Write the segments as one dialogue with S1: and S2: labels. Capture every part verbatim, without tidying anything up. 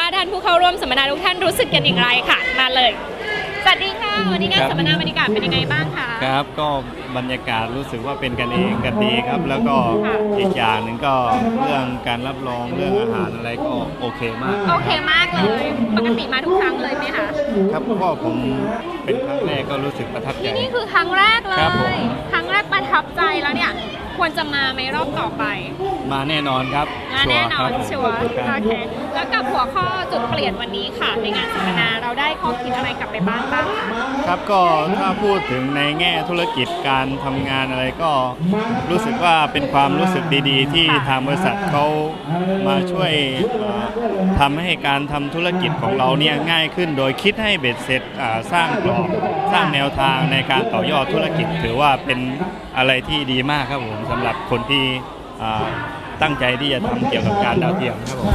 S1: ท่านผู้เข้าร่วมสัมมนาทุกท่านรู้สึกกันอย่างไรค่ะมาเลยสวัสดีค่ะวันนี้งานสัมมนาบรรยากาศเป็นยังไงบ้างคะ
S2: ครับก็บรรยากาศรู้สึกว่าเป็นกันเองกันดีครับแล้วก็อีกอย่างหนึ่งก็เรื่องการรับรองเรื่องอาหารอะไรก็โอเคมาก
S1: โอเคมากเลยปกติมาทุกครั้งเลยไหมคะ
S2: ครับก็ผมเป็นครั้งแรกก็รู้สึกประทับใจ
S1: นี่คือครั้งแรกเลยครั้งแรกประทับใจแล้วเนี่ยควรจะมาไหมรอบต่อไป
S2: มาแน่นอนครับ
S1: มาแน่นอนชัวร์โอเคแล้วกับหัวข้อจุดเปลี่ยนวันนี้ค่ะในงานสัมมนาเราได้ข้อคิดอะไรกลับไปบ้างบ้าง
S2: ครับก็ถ้าพูดถึงในแง่ธุรกิจการทำงานอะไรก็รู้สึกว่าเป็นความรู้สึกดีๆที่ทางบริษัทเขามาช่วยทำให้การทำธุรกิจของเราเนี่ยง่ายขึ้นโดยคิดให้เบ็ดเสร็จสร้างกรอบสร้างแนวทางในการต่อยอดธุรกิจถือว่าเป็นอะไรที่ดีมากครับผมสำหรับคนที่ตั้งใจที่จะทำเกี่ยวกับการดาวเทียมครับผม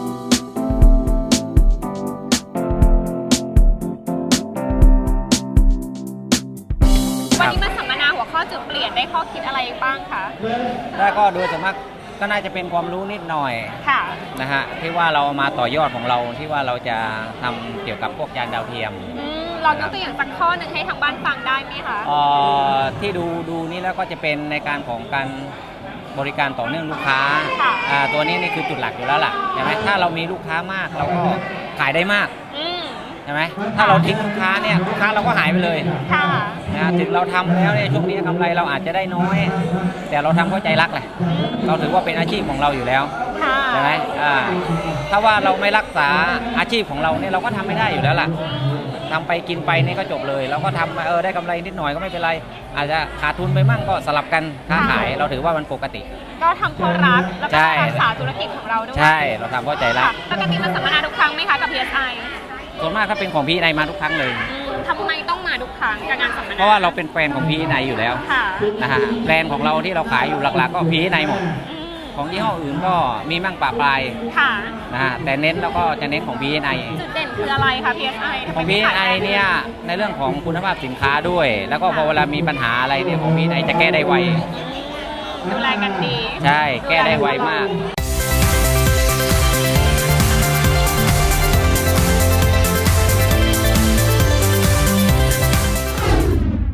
S1: วันนี้มาสัมมนาหัวข้อจุดเปลี่ยนได้ข้อคิดอะไรบ้างคะ
S3: ได้ก็โดยส่วนมากก็น่าจะเป็นความรู้นิดหน่อย
S1: ค่ะ
S3: นะฮะที่ว่าเรามาต่อยอดของเราที่ว่าเราจะทำเกี่ยวกับพวกยานดาวเทียม
S1: เรายกตัวอย่างสักข้อหนึ่งให้ทางบ้านฟังได้ไหมคะ
S3: เอ่อที่ดูดูนี่แล้วก็จะเป็นในการของการบริการต่อเนื่องลูกค้าอ่าตัวนี้นี่คือจุดหลักอยู่แล้วล่ะใช่ไหมถ้าเรามีลูกค้ามากเราก็ขายได้มากใช่ไหมถ้าเราทิ้งลูกค้าเนี่ยลูกค้าเราก็หายไปเลยนะถึงเราทำแล้วเนี่ยช่วงนี้กำไรเราอาจจะได้น้อยแต่เราทำเพราะใจรักแหละเราถือว่าเป็นอาชีพของเราอยู่แล้วใช่ไหมอ่าถ้าว่าเราไม่รักษาอาชีพของเราเนี่ยเราก็ทำไม่ได้อยู่แล้วล่ะทำไปกินไปนี่ก็จบเลยเราก็ทำเออได้กำไรนิดหน่อยก็ไม่เป็นไรอาจจะขาดทุนไปมั่งก็สลับกันค้าขายเราถือว่ามันปกติ
S1: ก็ทำเพราะรักแล้วก็รักษาธุรกิจของเราด้วย
S3: ใช่เราทำเพราะใจรัก
S1: ปกติมาสัมมนาทุกครั้งไหมคะกับ พี เอส ไอ
S3: ส่วนมากถ้าเป็นของ พี เอส ไอ มาทุกครั้งเลย
S1: ทำไมต้องมาทุกครั้งกับงานสัมมนา
S3: เพราะว่าเราเป็นแฟนของ พี เอส ไอ อยู่แล้วนะฮะแบรนด์ของเราที่เราขายอยู่หลักๆก็ พี เอส ไอ หมดของยี่ห้ออื่นก็มีมั่งปะปลายนะฮะแต่เน้นแล้วก็จะเน้นของ พี เอส ไอ
S1: จุดเด่นคืออะไรคะ พี เอส ไอ
S3: ของ พี เอส ไอ เนี่ยในเรื่องของคุณภาพสินค้าด้วยแล้วก็พอเวลามีปัญหาอะไรเนี่ยของ พี เอส ไอ จะแก้ได้ไว
S1: ดูแลกันดี
S3: ใช่แก้ได้ไวมาก